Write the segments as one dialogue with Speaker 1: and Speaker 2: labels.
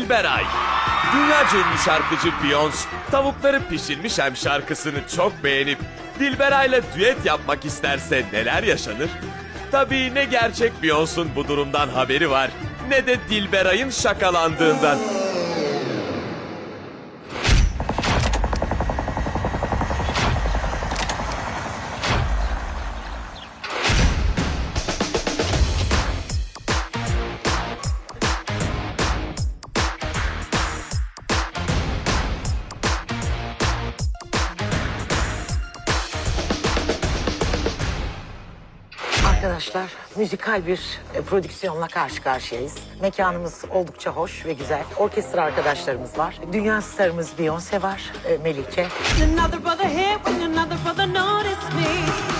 Speaker 1: Dilberay. Dünyaca ünlü şarkıcı Beyoncé, Tavukları Pişirmişem şarkısını çok beğenip Dilberay'la düet yapmak isterse neler yaşanır? Tabii ne gerçek Beyoncé'un bu durumdan haberi var, ne de Dilberay'ın şakalandığından.
Speaker 2: Arkadaşlar, müzikal bir prodüksiyonla karşı karşıyayız. Mekanımız oldukça hoş ve güzel. Orkestra arkadaşlarımız var. Dünya starımız Beyoncé var, Melike.
Speaker 3: Another brother here when another brother noticed me.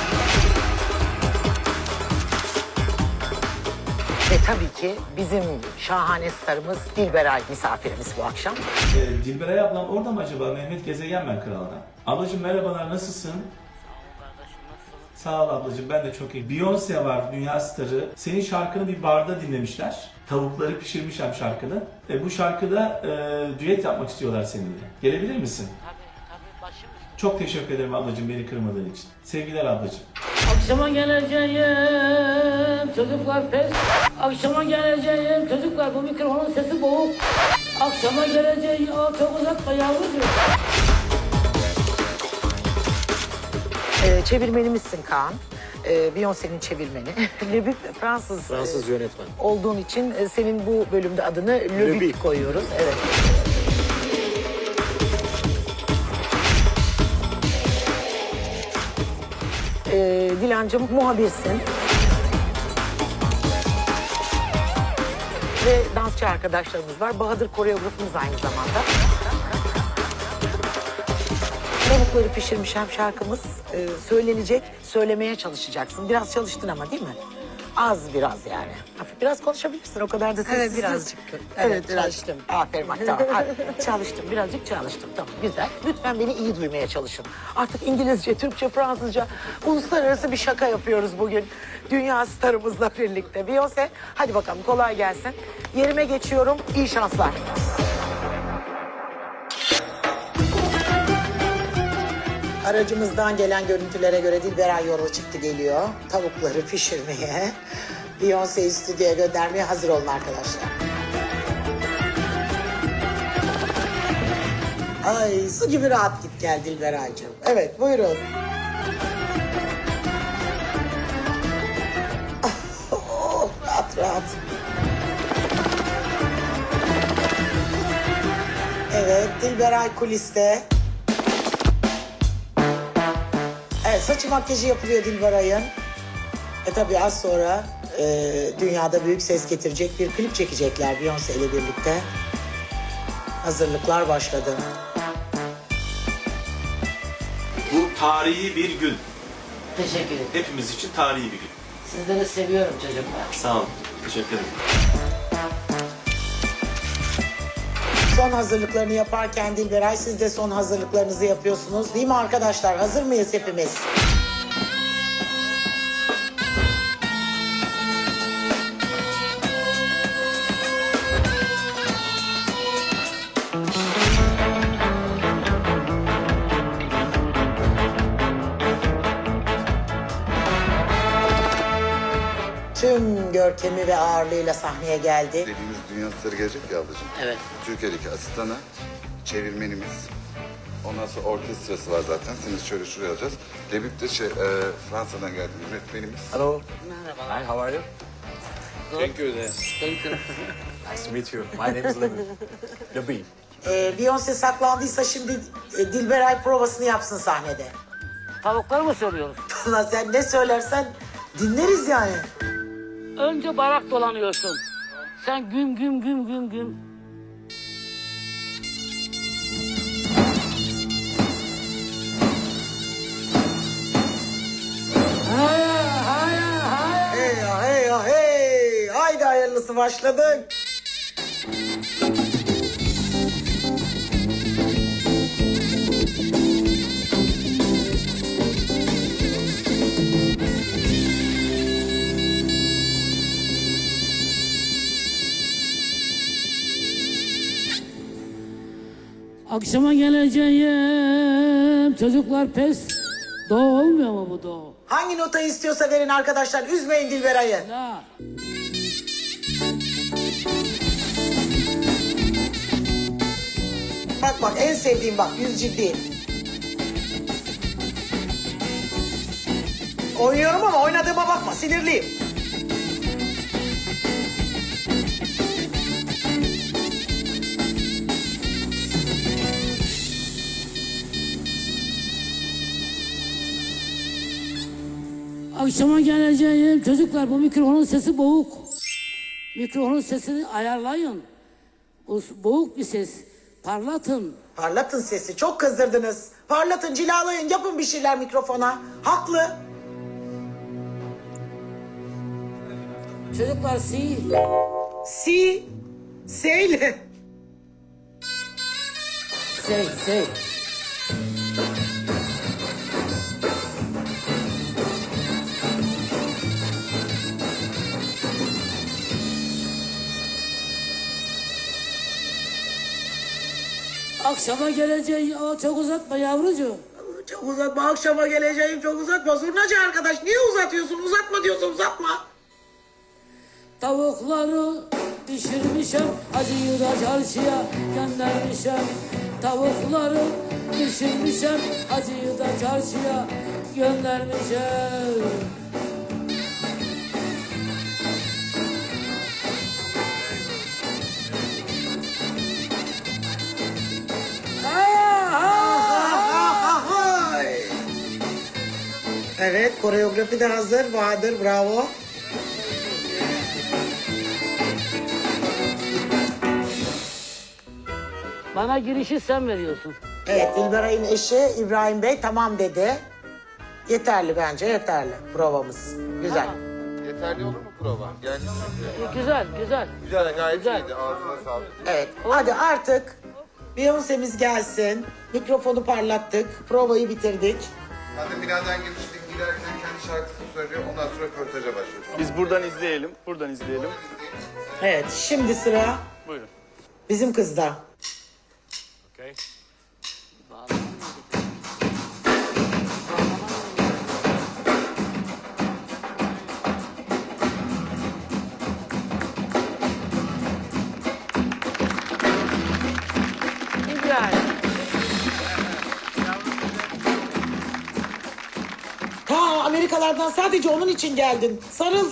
Speaker 2: Ve tabii ki bizim şahane starımız Dilberay misafirimiz bu akşam.
Speaker 4: Dilberay ablam orada mı acaba? Mehmet Gezegen ben kraldan. Ablacığım merhabalar, nasılsın? Sağ ol ablacığım, ben de çok iyi. Beyoncé var, dünya starı. Senin şarkını bir barda dinlemişler. Tavukları Pişirmişem şarkını. Bu şarkıda düet yapmak istiyorlar seninle. Gelebilir misin?
Speaker 5: Tabii başım.
Speaker 4: Çok teşekkür ederim ablacığım beni kırmadığın için. Sevgiler ablacığım.
Speaker 5: Akşama geleceğim çocuklar pes. Akşama geleceğim çocuklar, bu mikrofonun sesi boğuk. Akşama geleceğim, çok uzatma yavrucuğum.
Speaker 2: Çevirmenimizsin Kaan. Beyoncé'nin çevirmeni. Löbük Fransız
Speaker 6: yönetmen.
Speaker 2: olduğun için senin bu bölümde adını Löbük koyuyoruz. Evet. Dilancığım muhabirsin. Ve dansçı arkadaşlarımız var. Bahadır koreografımız aynı zamanda. Tavukları Pişirmişem şarkımız söylenecek, söylemeye çalışacaksın. Biraz çalıştın ama değil mi? Az biraz yani. Hafif biraz konuşabilirsin, o kadar da sessiz.
Speaker 7: Evet, birazcık.
Speaker 2: Evet,
Speaker 7: Evet,
Speaker 2: çalıştım. Aferin bak, tamam. Hadi. Çalıştım, birazcık çalıştım. Tamam, güzel. Lütfen beni iyi duymaya çalışın. Artık İngilizce, Türkçe, Fransızca, uluslararası bir şaka yapıyoruz bugün. Dünya starımızla birlikte. Beyoncé, hadi bakalım kolay gelsin. Yerime geçiyorum, iyi şanslar. Aracımızdan gelen görüntülere göre Dilberay yola çıktı geliyor. Tavukları pişirmeye, Beyoncé'yi stüdyoya göndermeye hazır olun arkadaşlar. Ay su gibi rahat git gel Dilberay'cığım. Evet buyurun. Oh, rahat rahat. Evet Dilberay kuliste. Evet, saçı makyajı yapılıyor Dilberay'ın. Tabii az sonra dünyada büyük ses getirecek bir klip çekecekler Beyoncé ile birlikte. Hazırlıklar başladı.
Speaker 4: Bu tarihi bir gün.
Speaker 5: Teşekkür ederim.
Speaker 4: Hepimiz için tarihi bir gün.
Speaker 5: Sizleri seviyorum çocuklar.
Speaker 4: Sağ olun. Teşekkür ederim.
Speaker 2: Son hazırlıklarını yaparken Dilberay siz de son hazırlıklarınızı yapıyorsunuz. Değil mi arkadaşlar? Hazır mıyız hepimiz? Tüm görkemi ve ağırlığıyla sahneye geldi.
Speaker 8: Dediğimiz dünya starı gelecek ya ablacığım.
Speaker 5: Evet.
Speaker 8: Türkiye'deki asistanı, çevirmenimiz, ondan sonra orkestrası var zaten. Seni şöyle şuraya alacağız. Debüt de Fransa'dan geldi yönetmenimiz.
Speaker 6: Hello.
Speaker 5: Merhabalar.
Speaker 6: Hi, how are you?
Speaker 4: Thank you.
Speaker 5: Thank you.
Speaker 6: Nice to meet you. My name is Levi. Levi.
Speaker 2: Beyoncé saklandıysa şimdi Dilberay provasını yapsın sahnede.
Speaker 5: Tavukları mı söylüyoruz?
Speaker 2: Ulan sen ne söylersen dinleriz yani.
Speaker 5: Önce barak dolanıyorsun. Sen güm güm güm güm güm.
Speaker 2: Hey ya hey ya hey. Haydi hayırlısı başladık.
Speaker 5: Akşama geleceğim çocuklar pes. Do olmuyor mu bu do?
Speaker 2: Hangi notayı istiyorsa verin arkadaşlar. Üzmeyin Dilberay'ı.
Speaker 5: La.
Speaker 2: Bak bak en sevdiğim bak yüz ciddi. Oynuyorum ama oynadığıma bakma sinirliyim.
Speaker 5: Akşama geleceğim çocuklar bu mikrofonun sesi boğuk. Mikrofonun sesini ayarlayın. O boğuk bir ses. Parlatın.
Speaker 2: Parlatın sesi çok kızdırdınız. Parlatın cilalayın yapın bir şeyler mikrofona. Haklı.
Speaker 5: Çocuklar si.
Speaker 2: Seyle.
Speaker 5: Sey. Akşama geleceğim. Aa, çok uzatma yavrucuğum.
Speaker 2: Çok uzatma akşama geleceğim çok uzatma. Zurnacı arkadaş niye uzatıyorsun uzatma diyorsun uzatma.
Speaker 5: Tavukları pişirmişim, acıyı da çarşıya göndermişim. Tavukları pişirmişim, acıyı da çarşıya göndermişim.
Speaker 2: Evet koreografi de hazır Bahadır bravo.
Speaker 5: Bana girişi sen veriyorsun.
Speaker 2: Evet Dilberay'ın eşi İbrahim Bey tamam dedi. Yeterli bence yeterli provamız. Güzel.
Speaker 8: Yeterli olur mu prova? Yani
Speaker 5: Güzel.
Speaker 8: güzel gayet
Speaker 5: Güzel.
Speaker 8: iyiydi. Ağzına sağlık.
Speaker 2: Evet hadi artık Beyoncé'miz gelsin. Mikrofonu parlattık. Provayı bitirdik.
Speaker 8: Hadi binadan girmiştik. Girerken kendi şarkısını söylüyor. Ondan sonra röportaja başlıyoruz.
Speaker 7: Biz buradan izleyelim.
Speaker 2: Evet şimdi sıra
Speaker 7: Buyurun.
Speaker 2: bizim kızda. Ta Amerikalardan sadece onun için geldin. Sarıl.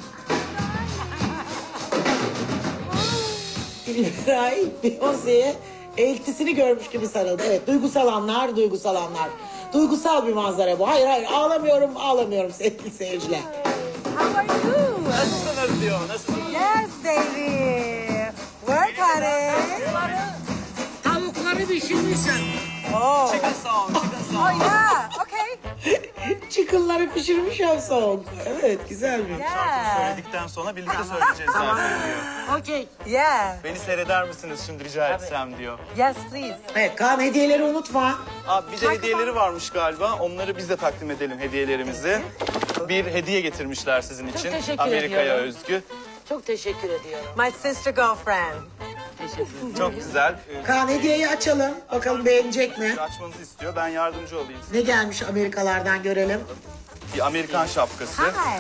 Speaker 2: Dilberay Beyoncé'ye eltisini görmüş gibi sarıldı. Evet duygusal anlar. Duygusal bir manzara bu. Hayır ağlamıyorum sevgili seyirciler.
Speaker 9: How are you?
Speaker 7: Nasılsınız diyor. Nasılsınız?
Speaker 9: Yes, baby. Work on it.
Speaker 5: Tavukları pişirmişim.
Speaker 9: Oh.
Speaker 7: Chicken song.
Speaker 9: Oh yeah. Okay.
Speaker 2: Çıkınları pişirmiş song. Evet güzel bir.
Speaker 9: Yeah.
Speaker 7: Söyledikten sonra birlikte söyleyeceğiz zaten diyor.
Speaker 5: Okey.
Speaker 9: Yeah.
Speaker 7: Beni seyreder misiniz şimdi rica etsem diyor.
Speaker 9: Yes, please.
Speaker 2: Evet Kaan hediyeleri unutma.
Speaker 7: Abi bir de hediyeleri varmış galiba. Onları biz de takdim edelim hediyelerimizi. Bir hediye getirmişler sizin için.
Speaker 5: teşekkür
Speaker 7: Amerika'ya
Speaker 5: ediyorum.
Speaker 7: özgü.
Speaker 5: Çok teşekkür ediyorum.
Speaker 9: My sister girlfriend.
Speaker 7: Çok güzel.
Speaker 2: Kaan hediyeyi açalım. Bakalım beğenecek mi?
Speaker 7: Açmanızı istiyor. Ben yardımcı olayım.
Speaker 2: Ne gelmiş Amerikalardan görelim.
Speaker 7: Bir Amerikan şapkası.
Speaker 9: Hi.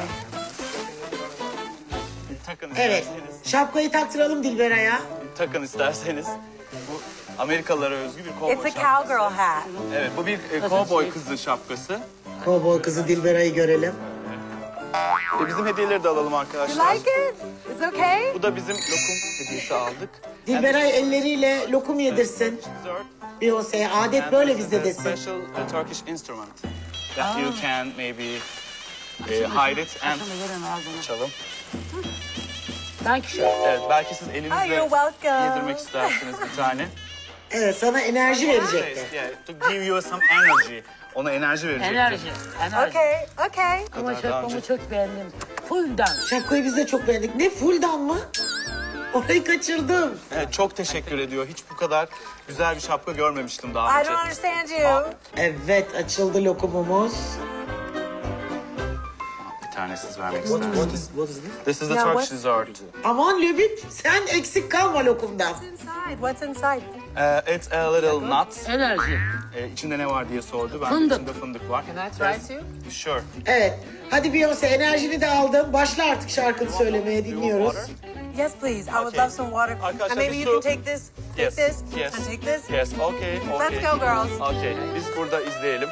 Speaker 7: Takın
Speaker 2: Evet.
Speaker 7: isterseniz.
Speaker 2: Şapkayı taktıralım Dilberay'a.
Speaker 7: Takın isterseniz. Bu Amerikalılara özgü bir kovboy
Speaker 9: It's a
Speaker 7: şapkası.
Speaker 9: cowgirl hat.
Speaker 7: Evet bu bir kovboy kızı şapkası.
Speaker 2: Kovboy kızı Dilberay'ı görelim.
Speaker 7: Bizim hediyeleri de alalım
Speaker 9: You
Speaker 7: arkadaşlar.
Speaker 9: like it? It's okay?
Speaker 7: Bu da bizim lokum hediyesi aldık.
Speaker 2: Dilberay elleriyle lokum yedirsin. Beyoncé'ye adet böyle bizde desin.
Speaker 7: Special Turkish instrument that you can maybe hide it and çalalım.
Speaker 5: Thank you.
Speaker 7: Evet belki siz
Speaker 9: Oh,
Speaker 7: elinizle
Speaker 9: you're welcome.
Speaker 7: yedirmek istersiniz bir tane.
Speaker 2: Evet sana enerji verecekti.
Speaker 7: Yeah, to give you some energy. Ona enerji verecektir.
Speaker 5: Enerji.
Speaker 9: Okay, okay.
Speaker 5: Ama
Speaker 7: Kadar daha önce.
Speaker 5: şapkamı çok beğendim. Full'dan.
Speaker 2: Şapkayı biz de çok beğendik. Ne fulldan mı? Orayı kaçırdım.
Speaker 7: Evet, çok teşekkür ediyor. Hiç bu kadar güzel bir şapka görmemiştim daha
Speaker 9: I
Speaker 7: önce.
Speaker 9: don't understand you.
Speaker 2: Evet açıldı lokumumuz.
Speaker 7: tane siz vermek
Speaker 6: What
Speaker 7: istersiniz.
Speaker 6: is this?
Speaker 7: This is the
Speaker 9: Yeah,
Speaker 7: Turkish
Speaker 9: what-
Speaker 7: dessert.
Speaker 2: Aman Lübit sen eksik kalma lokumdan.
Speaker 9: What's inside? What's inside?
Speaker 7: It's a little nuts.
Speaker 5: Enerji.
Speaker 7: İçinde ne var diye sordu. Ben de
Speaker 5: Fındık.
Speaker 7: içinde fındık var.
Speaker 9: Can I try to?
Speaker 7: Sure.
Speaker 2: Evet. Hadi Beyoncé enerjini de aldın. Başla artık şarkını söylemeye dinliyoruz.
Speaker 9: Yes, please. I would
Speaker 7: Okay.
Speaker 9: love some water.
Speaker 7: Arkadaşlar,
Speaker 9: And maybe
Speaker 7: bir
Speaker 9: you
Speaker 7: su-
Speaker 9: can take this. Take
Speaker 7: Yes.
Speaker 9: this.
Speaker 7: Yes.
Speaker 9: And take this.
Speaker 7: Yes. Okay. Okay.
Speaker 9: Let's go, girls.
Speaker 7: Okay. Biz burada izleyelim.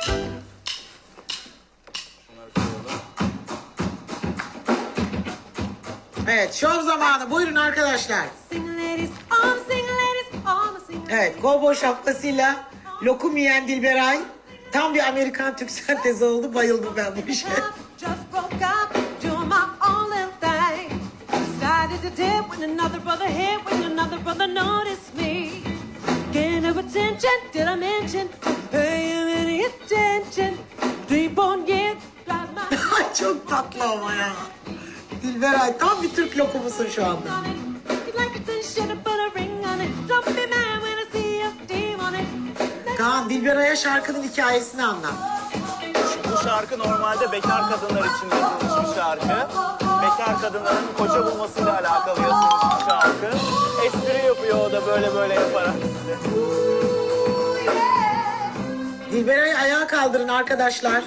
Speaker 2: Evet şov zamanı. Buyurun arkadaşlar.
Speaker 3: Sing ladies, all the sing ladies, all the sing
Speaker 2: Evet kovboy şapkasıyla lokum yiyen Dilberay. Tam bir Amerikan Türk sentezi oldu. Bayıldım ben bu işe.
Speaker 3: just broke up, doing my own little thing. Decided to dip when another brother hit, when another brother noticed me. Getting up attention, did I mention? Pay him any attention? Deep on you, got my
Speaker 2: Ay çok tatlı ama ya. Dilberay tam bir Türk lokumusun şu anda.
Speaker 3: on it. You like it, then should put a ring on it. Don't be mad when I see a deem on it.
Speaker 2: Kaan Dilberay'a şarkının hikayesini anlat.
Speaker 7: Bu şarkı normalde bekar kadınlar için yazılmış bir şarkı. Bekar kadınların koca bulmasıyla alakalı yazılmış bir şarkı. Espri yapıyor o da böyle böyle yaparak.
Speaker 2: Dilberay'ı ayağa kaldırın arkadaşlar.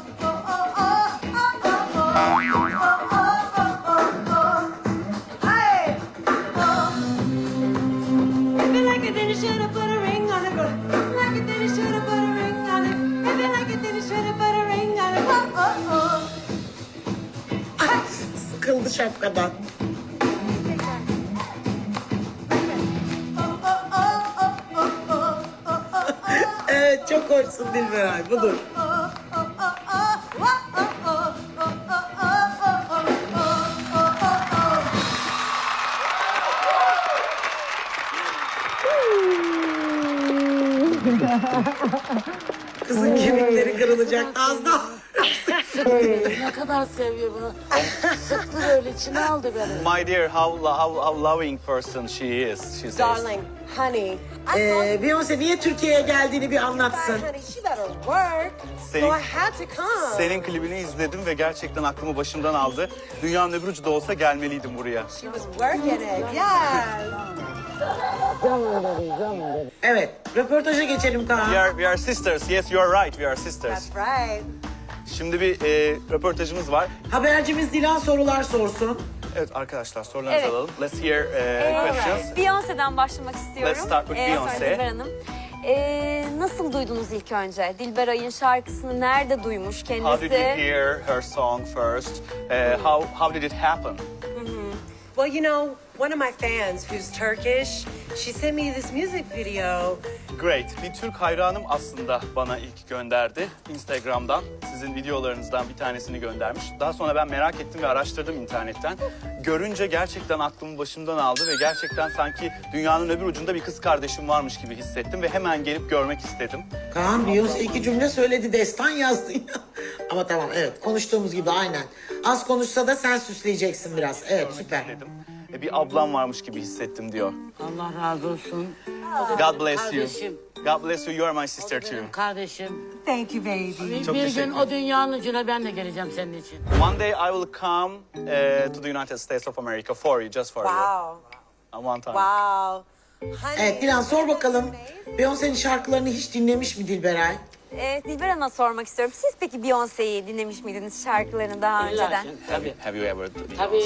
Speaker 3: If you like it, then you should have put a ring on it. But if you like it, then you should have put a ring on it. If you like it, then you should have put a ring on it. Oh, oh, oh.
Speaker 2: Ay, sıkıldı şapkadan. Evet çok hoşsun Dilberay budur. Kızın kemikleri kırılacak az daha.
Speaker 5: Ne kadar seviyor bunu. Sıktı böyle içine aldı beni.
Speaker 7: My dear, how loving person she is. She says.
Speaker 9: Darling, honey. I saw
Speaker 2: Beyoncé niye Türkiye'ye geldiğini bir anlatsın.
Speaker 9: honey. She better work. So
Speaker 7: Senin-
Speaker 9: I had to come.
Speaker 7: Senin klibini izledim ve gerçekten aklımı başımdan aldı. Dünyanın öbür ucu da olsa gelmeliydim buraya.
Speaker 9: She was working it. Yes.
Speaker 2: Evet röportaja geçelim Kaan.
Speaker 7: We are sisters. Yes, you are right. We are sisters.
Speaker 9: That's right.
Speaker 7: Şimdi bir röportajımız var.
Speaker 2: Habercimiz Dilan sorular sorsun.
Speaker 7: Evet arkadaşlar sorularınızı
Speaker 10: Evet.
Speaker 7: alalım. Let's hear questions.
Speaker 10: Beyoncé'den başlamak istiyorum.
Speaker 7: Let's start with
Speaker 10: Sonra
Speaker 7: Beyoncé.
Speaker 10: Dilber Hanım. Nasıl duydunuz ilk önce? Dilberay'ın şarkısını nerede duymuş kendisi?
Speaker 7: How did you hear her song first? How did it happen?
Speaker 9: Well, you know, one of my fans who's Turkish, she sent me this music video.
Speaker 7: Great. Bir Türk hayranım aslında bana ilk gönderdi. Instagram'dan sizin videolarınızdan bir tanesini göndermiş. Daha sonra ben merak ettim ve araştırdım internetten. Görünce gerçekten aklımı başımdan aldı ve gerçekten sanki dünyanın öbür ucunda bir kız kardeşim varmış gibi hissettim ve hemen gelip görmek istedim.
Speaker 2: Kaan Beyoncé 2 cümle söyledi destan yazdın ya. Ama tamam evet konuştuğumuz gibi aynen. Az konuşsa da sen süsleyeceksin biraz. Evet süper.
Speaker 7: Dedim. Bir ablam varmış gibi hissettim diyor.
Speaker 5: Allah razı olsun.
Speaker 7: God bless you.
Speaker 5: Kardeşim.
Speaker 7: God bless you. You are my sister too.
Speaker 5: Kardeşim.
Speaker 9: Thank you, baby.
Speaker 7: Çok
Speaker 5: Bir
Speaker 7: teşekkür
Speaker 5: gün o dünyanın ucuna ben de geleceğim senin için.
Speaker 7: One day I will come to the United States of America for you, just for you.
Speaker 9: Wow.
Speaker 7: One time.
Speaker 9: Wow. Honey.
Speaker 2: Evet Dilan sor bakalım. Beyoncé'nin şarkılarını hiç dinlemiş mi Dilberay?
Speaker 10: Dilber Hanım'a sormak istiyorum. Siz peki Beyoncé'yi dinlemiş miydiniz şarkılarını daha önceden?
Speaker 5: Tabii.
Speaker 7: Have you ever?
Speaker 5: Tabii.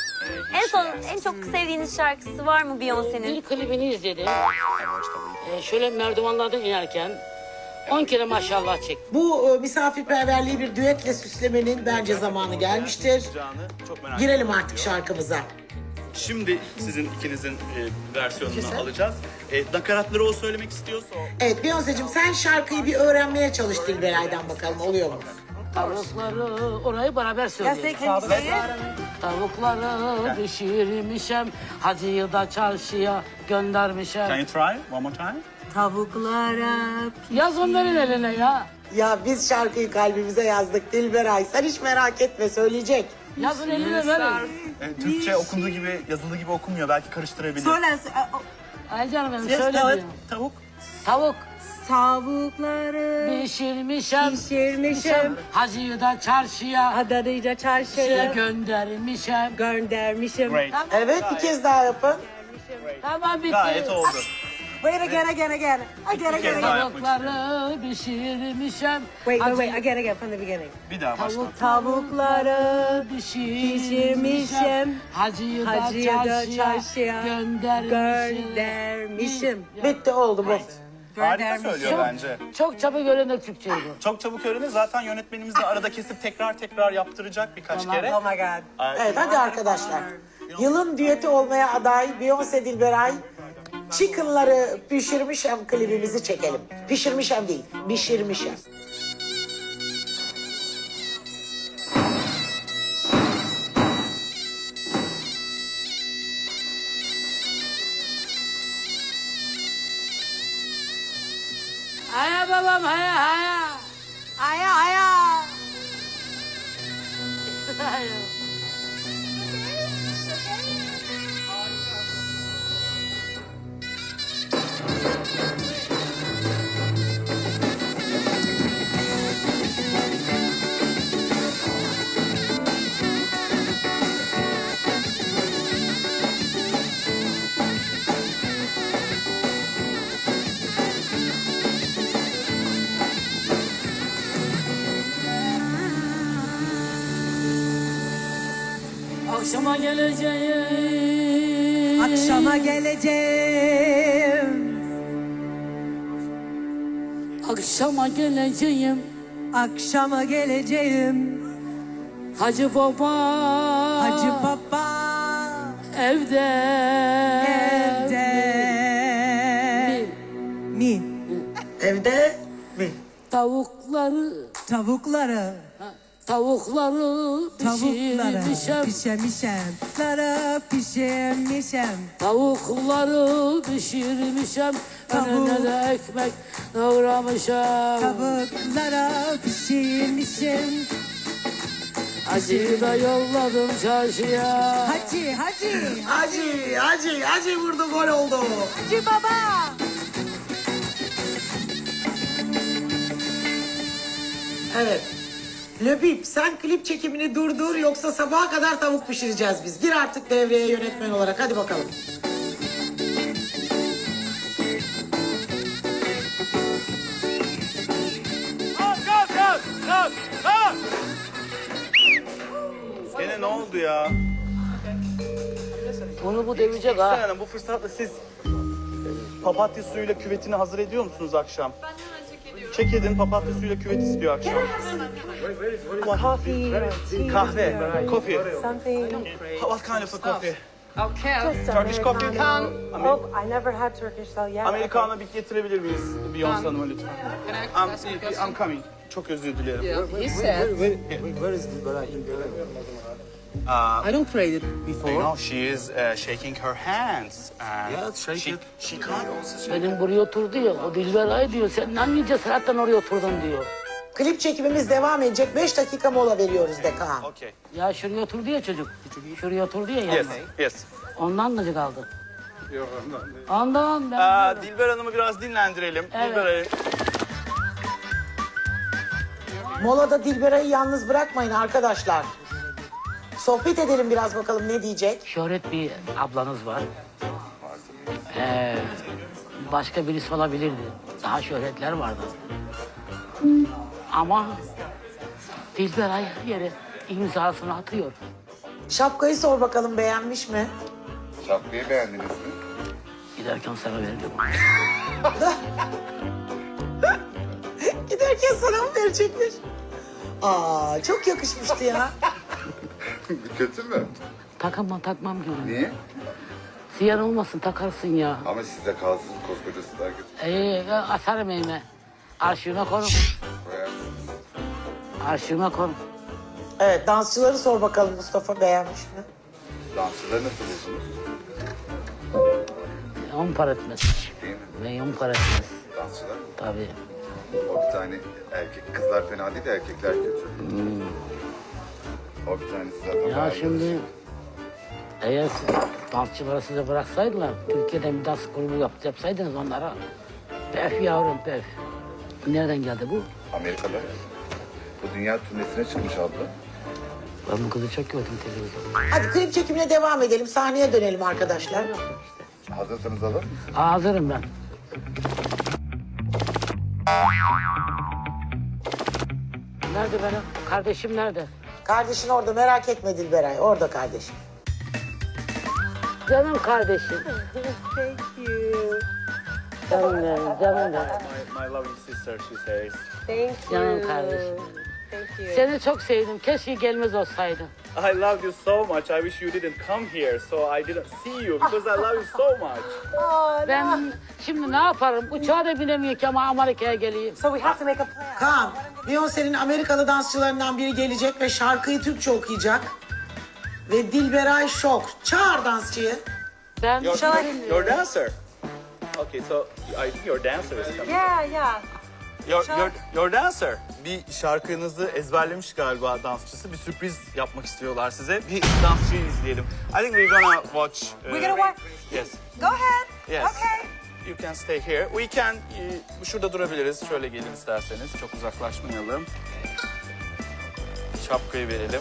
Speaker 10: En çok sevdiğiniz şarkısı var mı Beyoncé'nin?
Speaker 5: Bir klibini izledim. Şöyle merdivenlerden inerken 10 kere maşallah çektim.
Speaker 2: Bu misafirperverliği bir düetle süslemenin bence zamanı gelmiştir.
Speaker 7: Çok merak
Speaker 2: Girelim
Speaker 7: ediyorum
Speaker 2: artık
Speaker 7: diyor.
Speaker 2: şarkımıza.
Speaker 7: Şimdi sizin ikinizin versiyonunu alacağız. Nakaratları o söylemek istiyorsa o.
Speaker 2: Evet Beyoncé'cim sen şarkıyı bir öğrenmeye çalış Dilberay'dan bakalım oluyor mu?
Speaker 5: Tavukları orayı beraber
Speaker 9: Yes,
Speaker 5: söyleyelim.
Speaker 9: they can you say it?
Speaker 5: Tavukları pişirmişem, hacıyı da çarşıya
Speaker 7: Can
Speaker 5: göndermişem.
Speaker 7: you try one more time?
Speaker 9: Tavuklara
Speaker 5: Yaz onların eline ya.
Speaker 2: Ya biz şarkıyı kalbimize yazdık Dilberay. Sen hiç merak etme söyleyecek.
Speaker 5: Yazın eline verin.
Speaker 7: Türkçe okunduğu gibi, yazıldığı gibi okunmuyor. Belki karıştırabilir.
Speaker 9: Söyle.
Speaker 5: Ay canım benim
Speaker 9: Yes,
Speaker 5: söyle
Speaker 9: evet.
Speaker 5: diyor.
Speaker 7: Tavuk.
Speaker 5: Tavuk
Speaker 3: Tavukları
Speaker 5: pişirmişem.
Speaker 3: pişirmişim.
Speaker 5: Hacıyı da çarşıya
Speaker 3: Adana'yı çarşıya
Speaker 5: göndermişem.
Speaker 3: göndermişim.
Speaker 7: Great.
Speaker 2: Evet, bir kez daha yapın.
Speaker 5: Tamam bitti.
Speaker 7: Gayet oldu.
Speaker 3: Wait again. Again.
Speaker 5: Tavukları pişirmişem.
Speaker 3: Wait. Again from the beginning.
Speaker 7: Bir daha başla.
Speaker 3: Tavukları
Speaker 5: Pişirmişem.
Speaker 3: pişirmişim.
Speaker 5: Hacıyı
Speaker 3: Hacıyı
Speaker 5: da
Speaker 3: da
Speaker 5: çarşıya
Speaker 3: çarşıya göndermişim.
Speaker 2: Bitti, oldu bu.
Speaker 7: Harika söylüyor bence.
Speaker 5: Çok çabuk öğrenir Türkçeyi bu.
Speaker 7: Çok çabuk öğrenir. Zaten yönetmenimiz de arada kesip tekrar yaptıracak birkaç kere.
Speaker 3: Oh my God.
Speaker 2: Evet, hadi arkadaşlar. Yılın düeti olmaya aday Beyoncé Dilberay Chicken'ları pişirmişem klibimizi çekelim. Pişirmişem değil, pişirmişem.
Speaker 5: Haya babam haya haya.
Speaker 3: Aya aya.
Speaker 5: Haya. Akşama geleceğim.
Speaker 3: Akşama geleceğim.
Speaker 5: Akşama geleceğim.
Speaker 3: Akşama geleceğim.
Speaker 5: Hacı baba.
Speaker 3: Hacı baba
Speaker 5: Evde.
Speaker 3: evde mi?
Speaker 2: Evde mi?
Speaker 5: Tavukları.
Speaker 3: Tavukları
Speaker 5: Tavukları pişirmişem.
Speaker 3: pişirmişim. Pişirmişim.
Speaker 5: Tavukları pişirmişem. Önüne de ekmek doğramışam.
Speaker 3: Tavuklara pişirmişim.
Speaker 5: Hacıyı da yolladım çarşıya.
Speaker 3: Hacı
Speaker 2: Hacı vurdu, gol oldu.
Speaker 3: Hacı baba.
Speaker 2: Evet. Löbip, sen klip çekimini durdur, yoksa sabaha kadar tavuk pişireceğiz biz. Gir artık devreye yönetmen olarak, hadi bakalım.
Speaker 7: Gene ne oldu ya?
Speaker 5: Bunu bu demeyecek
Speaker 7: Sayın
Speaker 5: ha.
Speaker 7: Hanım, bu fırsatla siz papatya suyuyla küvetini hazır ediyor musunuz akşam? Ben hemen çek edin, papatya suyuyla küvet istiyor akşam. Kahve, coffee.
Speaker 3: Something.
Speaker 7: What kind of a coffee?
Speaker 3: Just
Speaker 7: Turkish coffee?
Speaker 3: Oh, I never had Turkish, so yeah.
Speaker 7: Americano bir getirebilir miyiz Beyoncé Hanım'a lütfen? I'm coming. Çok özür dilerim.
Speaker 6: I don't trade it
Speaker 7: You
Speaker 6: before.
Speaker 7: know, she is shaking her hands. And
Speaker 6: Yeah, shake
Speaker 7: she,
Speaker 6: it.
Speaker 7: She can't.
Speaker 5: Benim buraya otur diyor. O Dilberay diyor. Sen hangi cesaretten oraya oturdun diyor.
Speaker 2: Klip çekimimiz devam edecek. 5 dakika mola veriyoruz de Kaan.
Speaker 7: Okay.
Speaker 5: Ya şuraya otur diyor çocuk. Şuraya otur diyor ya.
Speaker 7: Yes, yes.
Speaker 5: Ondan da kaldı. Ondan ben.
Speaker 7: Dilber Hanım'ı biraz dinlendirelim.
Speaker 5: Evet.
Speaker 7: Dilber Hanım.
Speaker 2: Molada Dilberay'ı yalnız bırakmayın arkadaşlar. Sohbet edelim biraz, bakalım ne diyecek.
Speaker 5: Şöhret bir ablanız var. Başka birisi olabilirdi. Daha şöhretler vardı. Ama Dilberay her yere imzasını atıyor.
Speaker 2: Şapkayı sor bakalım, beğenmiş mi?
Speaker 8: Şapkayı beğendiniz mi?
Speaker 5: Giderken sana verdim.
Speaker 2: Giderken sana mı verecekmiş? Aa, çok yakışmıştı ya.
Speaker 8: Kötü mü?
Speaker 5: Takmam diyorum.
Speaker 8: Niye?
Speaker 5: Ziyan olmasın, takarsın ya.
Speaker 8: Ama sizde kalsın, koskoca star kötü.
Speaker 5: Asarım elime. Arşivime korum.
Speaker 8: Koyarsınız.
Speaker 5: Arşivime korum.
Speaker 2: Evet, dansçıları sor bakalım, Mustafa beğenmiş mi?
Speaker 8: Dansçıları nasıl buldunuz?
Speaker 5: 10 para etmez.
Speaker 8: Değil mi?
Speaker 5: Ve 10 para etmez.
Speaker 8: Dansçılar.
Speaker 5: Tabii.
Speaker 8: O bir tane erkek, kızlar fena değil de erkekler kötü. O bir tanesi zaten
Speaker 5: Ya
Speaker 8: bayağı
Speaker 5: şimdi eğer siz dansçıları size bıraksaydılar, Türkiye'den bir dans grubu yapsaydınız onlara Pef yavrum pef. Nereden geldi bu?
Speaker 8: Amerika'da. Bu dünya turnesine çıkmış abla.
Speaker 5: Ben bu kızı çok gördüm televizyonda.
Speaker 2: Hadi klip çekimine devam edelim. Sahneye dönelim arkadaşlar.
Speaker 8: Hazırsanız alır mısın?
Speaker 5: Hazırım ben. Nerede benim? Kardeşim nerede?
Speaker 2: Kardeşin orada, merak etme Dilberay. Orada kardeşim.
Speaker 5: Canım kardeşim.
Speaker 9: Thank you.
Speaker 5: Canım benim, canım benim.
Speaker 7: My loving sister, she says.
Speaker 9: Thank you.
Speaker 5: Canım kardeşim.
Speaker 9: Thank you.
Speaker 5: Seni çok sevdim. Keşke gelmez olsaydın.
Speaker 7: I love you so much. I wish you didn't come here, so I didn't see you because I love you so much.
Speaker 5: Ben şimdi ne yaparım? Uçağa da binemiyor ki ama Amerika'ya geleyim.
Speaker 9: So we have to make a plan.
Speaker 2: Kaan, Beyoncé'nin Amerikalı dansçılarından biri gelecek ve şarkıyı Türkçe okuyacak. Ve Dilberay şok. Çağır dansçıyı.
Speaker 5: Ben
Speaker 7: Your dancer. Okay, so I think your dancer is coming.
Speaker 9: Yeah, yeah.
Speaker 7: Your dancer. Bir şarkınızı ezberlemiş galiba dansçısı. Bir sürpriz yapmak istiyorlar size. Bir dansçıyı izleyelim. I think we're gonna watch.
Speaker 9: We're gonna watch.
Speaker 7: Yes.
Speaker 9: Go ahead.
Speaker 7: Yes.
Speaker 9: Okay.
Speaker 7: You can stay here. We can. Şurada durabiliriz. Şöyle gelin isterseniz. Çok uzaklaşmayalım. Şapkayı verelim.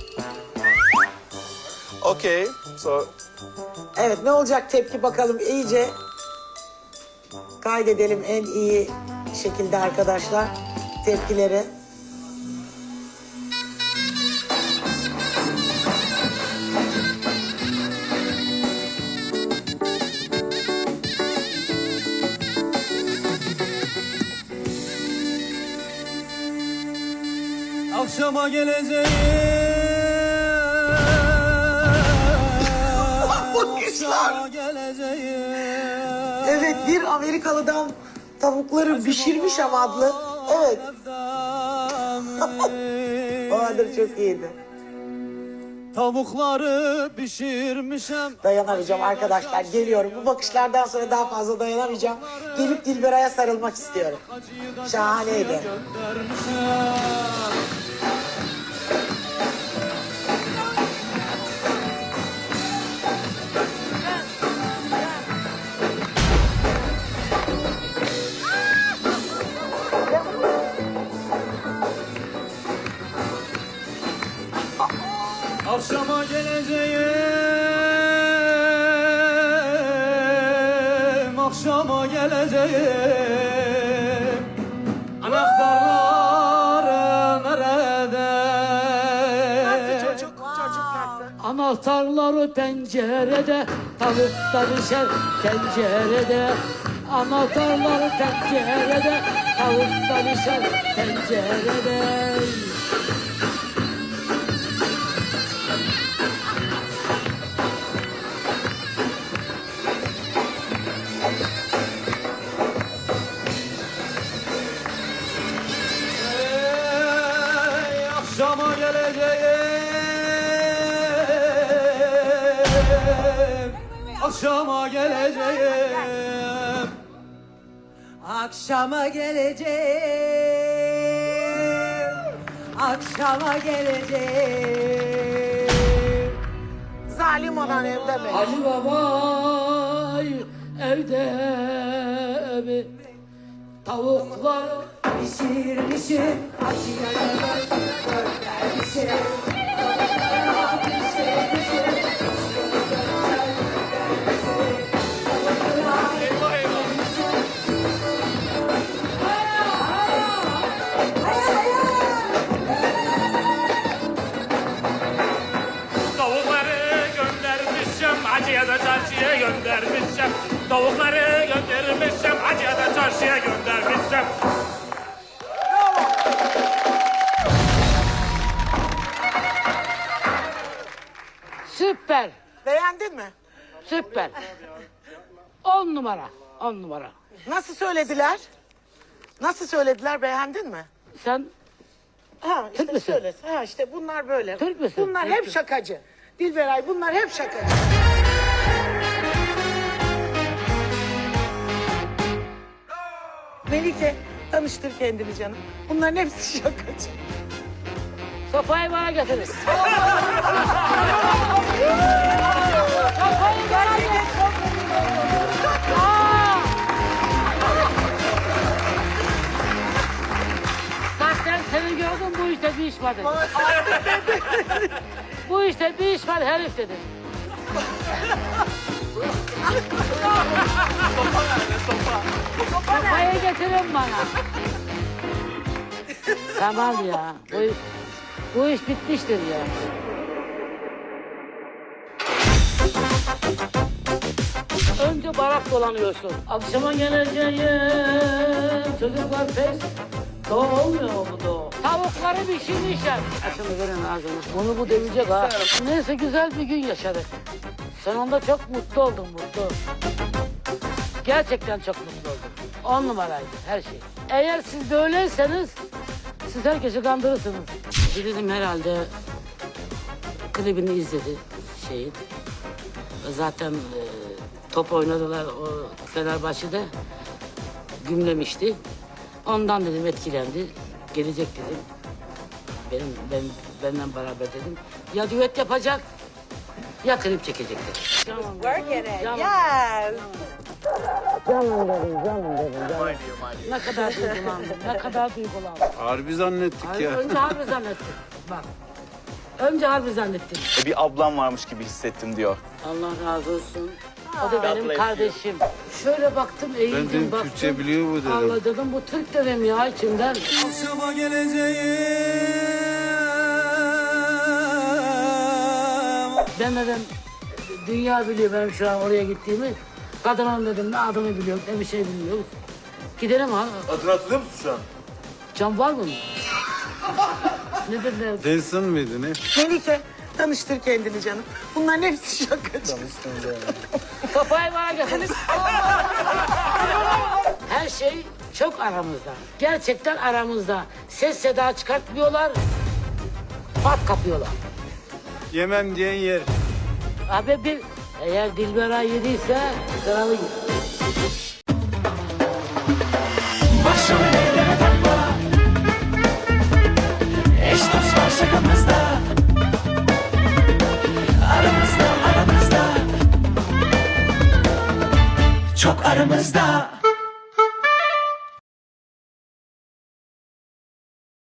Speaker 7: Okay. So
Speaker 2: Evet, ne olacak tepki bakalım iyice. Kaydedelim en iyi şekilde arkadaşlar tepkileri.
Speaker 6: Akşama geleceğim.
Speaker 2: Bakışlar.
Speaker 6: Geleceğim.
Speaker 2: Evet, bir Amerikalı'dan tavukları pişirmiş ama adlı. Evet. O adı çok iyiydi.
Speaker 6: Tavukları pişirmişem.
Speaker 2: Dayanamayacağım arkadaşlar, geliyorum. Bu bakışlardan sonra daha fazla dayanamayacağım. Gelip Dilberay'a sarılmak istiyorum. Şahaneydi.
Speaker 6: Göndermişem. Akşama geleceğim, akşama geleceğim. Anahtarları nerede?
Speaker 2: Çocuk nasıl?
Speaker 5: Anahtarları pencerede, tavuklar pişer tencerede. Anahtarları pencerede, tavuklar pişer tencerede.
Speaker 6: Ey, akşama geleceğim, akşama geleceğim.
Speaker 9: Akşama geleceğim. Akşama geleceğim.
Speaker 2: Zalim olan evde mi?
Speaker 5: Hacı baba evde mi? Tavuklar
Speaker 9: Pişirmişim. Acıya göndermişim.
Speaker 11: Tavukları göndermişim, acıya da çarşıya göndermişim. Tavukları göndermişim, acıya da çarşıya göndermişim.
Speaker 5: süper,
Speaker 2: Beğendin mi?
Speaker 5: süper. 10 numara, 10 numara.
Speaker 2: Nasıl söylediler? Nasıl söylediler, beğendin mi?
Speaker 5: Sen
Speaker 2: Ha işte
Speaker 5: Türk müsün?
Speaker 2: söyle. Ha işte bunlar böyle.
Speaker 5: Türk müsün?
Speaker 2: Bunlar
Speaker 5: Türk
Speaker 2: hep
Speaker 5: müsün?
Speaker 2: şakacı. Dilberay bunlar hep şakacı. Melike tanıştır kendini canım. Bunların hepsi şakacı.
Speaker 5: sopayı bana getirin.
Speaker 2: Gerçekten çok
Speaker 5: sopa dedim. Bu işte bir iş var herif dedim. Sopayı getirin bana. Tamam ya. Bu iş bitmiştir ya. Önce barak dolanıyorsun. Akşama geleceğim. Çocuklar pes. Doğu olmuyor mu bu doğu? Tavukları pişirmişler. Şunu verin ağzına. Bunu bu demeyecek ha. Neyse güzel bir gün yaşadık. Sonunda çok mutlu oldum, mutlu. Gerçekten çok mutlu oldum. 10 numaraydı her şey. Eğer siz böyleyseniz siz herkesi kandırırsınız. Dedim herhalde klibini izledi şeyin. Zaten top oynadılar o Fenerbahçe'de. Gümlemişti. Ondan dedim etkilendi. Gelecek dedim. Benden beraber dedim. Ya düet yapacak ya klip çekecek dedim.
Speaker 9: Working it.
Speaker 5: Canım.
Speaker 9: Yes.
Speaker 5: Canım dedim. Ne kadar duygulandım, ne kadar duygulandım.
Speaker 6: Harbi zannettik
Speaker 5: Önce harbi zannettim. Bak. Önce harbi zannettim.
Speaker 7: Bir ablam varmış gibi hissettim diyor.
Speaker 5: Allah razı olsun. O da benim kardeşim. Şöyle baktım, eğildim baktım.
Speaker 6: Türkçe biliyor bu dedim.
Speaker 5: Allah dedim, bu Türk dedim ya içimden.
Speaker 6: Akşama geleceğim.
Speaker 5: Ben dedim, dünya biliyor benim şu an oraya gittiğimi. Kadının dedim, ne adını biliyor, ne bir şey bilmiyoruz. Gidelim ha.
Speaker 6: Adını hatırlıyor musun şu an?
Speaker 5: Can var mı? Ne dediler?
Speaker 6: Denson mıydı ne?
Speaker 2: Melike tanıştır kendini canım. Bunların hepsi şakacı.
Speaker 5: Sopayı bana getir. Her şey çok aramızda. Gerçekten aramızda. Ses seda çıkartmıyorlar. Pat kapıyorlar.
Speaker 6: Yemem diyen yer.
Speaker 5: Abi eğer Dilberay yediyse kralı yer.
Speaker 12: Başım ellere takma. Eş dost var şakamızda. Aramızda. Çok aramızda.